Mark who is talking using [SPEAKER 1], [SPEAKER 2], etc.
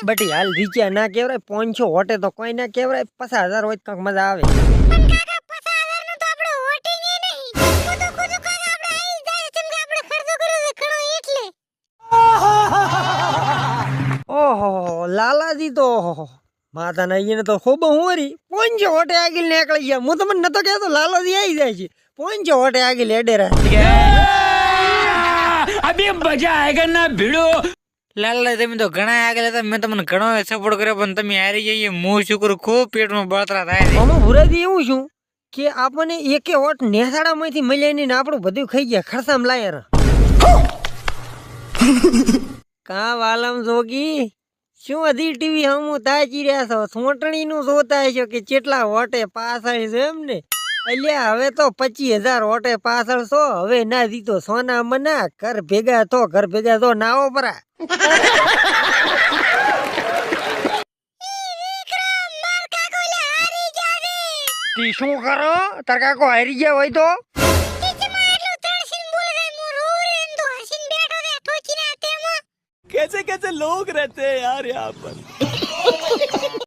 [SPEAKER 1] બટી હાલ રીચા ના કેવરાય 500 હોટે તો કોઈ ના કેવરાય 50,000 હોય તો મજા આવે
[SPEAKER 2] પણ કાકા 50,000 નું તો આપણે હોટી ને નહીં ખુદ ખુદ કાકા આપણે આવી જાય છે કે આપણે ખર્ચો કર્યો છે ઘણો એટલે
[SPEAKER 1] ઓહો લાલાજી તો માતા નઈને તો ખૂબ હોરી 500 હોટે આગળ નીકળી ગયા હું તમને નતો કહેતો લાલાજી આવી જાય છે 500 હોટે આગળ એડેરા
[SPEAKER 3] अभी मजा आएगा ना भिड़ो।
[SPEAKER 4] લાલા તમે તો ઘણા આગળ હતા મેં તમને ઘણો સપોર્ટ કર્યો પણ તમે હારી જઈએ હું શું કરું ખૂબ પેટમાં બળતરા થાય છે
[SPEAKER 1] અમે ભુરાજી એવું છું કે આપણને એકે હોટ નેસાડામાંથી મળ્યા નહીં ને આપણું બધું ખાઈ ગયા ખરસામ લાયર કા વાલમ જોગી શું હજી ટીવી હમું તાચી રહ્યા છો સોટણી નું જોતા હશો કે કેટલા હોટે પાછળ છે એમ ને અલ્યા હવે તો 25,000 હોટે પાછળ છો હવે ના દીધો સોના મના ઘર ભેગા તો નાવો પરા તી શું કરો તાર કાકો હારી ગયા હોય તો
[SPEAKER 3] कैसे कैसे लोग रहते हैं यार यहाँ पर।